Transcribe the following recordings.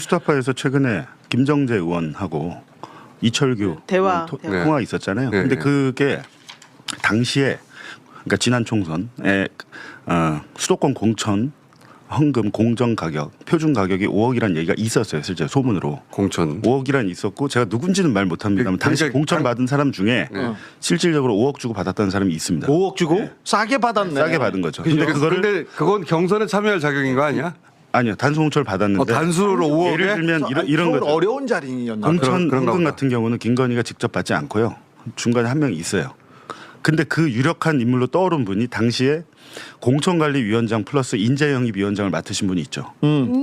수타파에서 최근에 김정재 의원하고 이철규 대화. 통화 있었잖아요. 네. 근데 그게 당시에 그러니까 지난 총선에 수도권 공천 헌금 공정 가격 표준 가격이 5억이라는 얘기가 있었어요. 실제 소문으로 공천 5억이란 있었고 제가 누군지는 말 못합니다만 당시 그러니까 공천 받은 사람 중에 네. 실질적으로 5억 주고 받았다는 사람이 있습니다. 5억 주고 싸게 받았네. 싸게 받은 거죠. 근데 그거를 근데 그건 경선에 참여할 자격인 거 아니야? 아니요 단수 공천을 받았는데 단수로 5억에 예를 들면 이런 거죠. 어려운 자리였나? 공천 그런가 헌금 보다. 같은 경우는 김건희가 직접 받지 않고요. 중간에 한 명이 있어요. 근데 그 유력한 인물로 떠오른 분이 당시에 공천관리위원장 플러스 인재영입위원장을 맡으신 분이 있죠.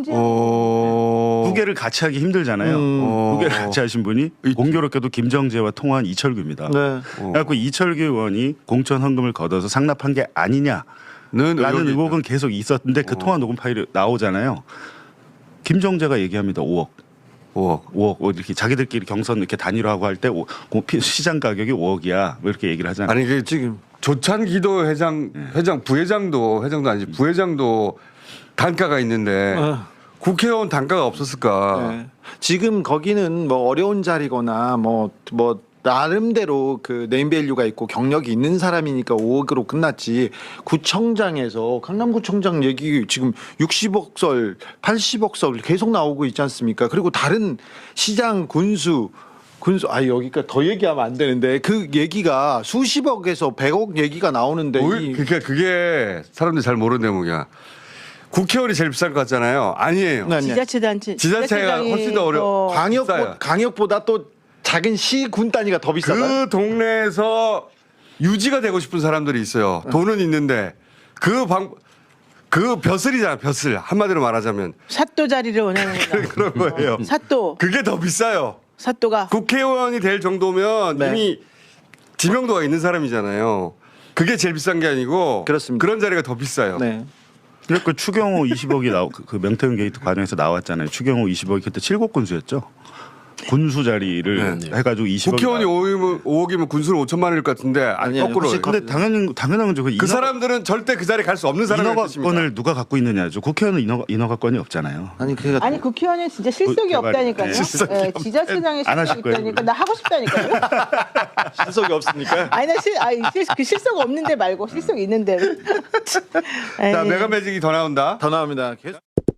두 개를 같이 하기 힘들잖아요. 두 개를 같이 하신 분이 공교롭게도 김정재와 통화한 이철규입니다. 네. 그래갖고 이철규 의원이 공천 헌금을 걷어서 상납한 게 아니냐라는 의혹은 계속 있었는데 그 통화 녹음 파일이 나오잖아요. 김정재가 얘기합니다. 5억 이렇게 자기들끼리 경선 이렇게 단일화하고 할 때 시장 가격이 5억이야. 뭐 이렇게 얘기를 하잖아요. 아니 그 지금 조찬기도 회장 부회장도 아니지 부회장도 단가가 있는데 국회의원 단가가 없었을까? 네. 지금 거기는 뭐 어려운 자리거나 뭐 나름대로 그 네임밸류가 있고 경력이 있는 사람이니까 5억으로 끝났지. 구청장에서 강남구청장 얘기 지금 60억 설, 80억 설 계속 나오고 있지 않습니까? 그리고 다른 시장 군수 여기까지 더 얘기하면 안 되는데 그 얘기가 수십억에서 100억 얘기가 나오는데 그러니까 그게 사람들이 잘 모르는 대목이야. 국회의원이 제일 비싼 것 같잖아요. 아니에요. 네. 지자체가 훨씬 더 어려워. 광역보다 또 작은 시 군 단위가 더 비싸다. 그 동네에서 유지가 되고 싶은 사람들이 있어요. 돈은 있는데 그 벼슬이잖아. 벼슬 한마디로 말하자면 사또 자리를 원하는 거다. 그런 거예요. 사또. 그게 더 비싸요. 사또가. 국회의원이 될 정도면 네. 이미 지명도가 있는 사람이잖아요. 그게 제일 비싼 게 아니고 그렇습니다. 그런 자리가 더 비싸요. 네. 그러니까 추경호 20억이 그 명태균 게이트 과정에서 나왔잖아요. 추경호 20억이 그때 7국 군수였죠. 군수 자리를 해가지고 20억. 국회의원이 5억이면 군수는 5천만 원일 것 같은데 아니요, 거꾸로. 혹시 근데 당연한 거죠. 그 사람들은 절대 그 자리에 갈 수 없는 사람입니다. 인허가권을 누가 갖고 있느냐죠. 국회의원은 인허가권이 없잖아요. 아니 국회의원은 진짜 실속이 개발이. 없다니까요. 실속이 지자체장에 안 하실 실속이 거예요, 있다니까 나 하고 싶다니까요. 신속이 없습니까? 아니 그 실속 없는데 말고 실속 있는데. 자 메가 매직이 더 나온다. 더 나옵니다. 계속.